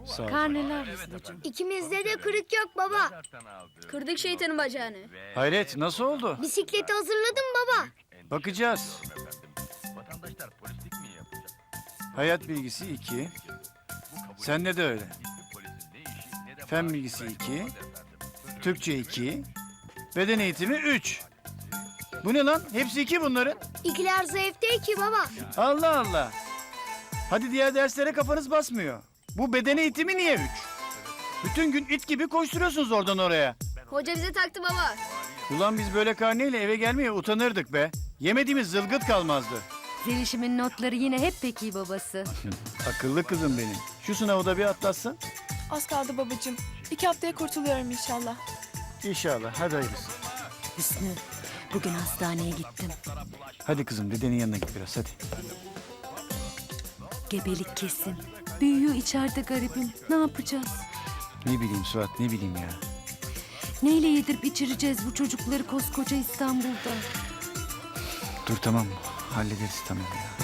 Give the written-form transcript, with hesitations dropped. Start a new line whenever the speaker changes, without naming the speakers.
Sağ ol.
Karneler Hüsnü'cüm.
İkimizde de kırık yok baba.
Kırdık şeytanın bacağını.
Hayret nasıl oldu?
Bisikleti hazırladım baba.
Bakacağız. Hayat bilgisi 2. Sende de öyle. Fen bilgisi 2. Türkçe 2. Beden eğitimi 3. Bu ne lan? Hepsi 2 bunların.
İkiler zayıf değil ki baba.
Allah Allah. Hadi diğer derslere kafanız basmıyor. Bu beden eğitimi niye 3? Bütün gün it gibi koşturuyorsunuz oradan oraya.
Hoca bize taktı baba.
Ulan biz böyle karneyle eve gelmeye utanırdık be. Yemediğimiz zılgıt kalmazdı.
Zeliş'imin notları yine hep pek iyi babası.
Akıllı kızım benim. Şu sınavı da bir atlatsın.
Az kaldı babacığım. 2 haftaya kurtuluyorum inşallah.
İnşallah. Hadi hayırlısı.
Hüsnü, bugün hastaneye gittim.
Hadi kızım dedenin yanına git biraz hadi.
Gebelik kesin. Büyüyor içeride garibim. Ne yapacağız?
Ne bileyim Suat ne bileyim ya.
Neyle yedirip içireceğiz bu çocukları koskoca İstanbul'da?
Dur tamam hallederiz tamam ya.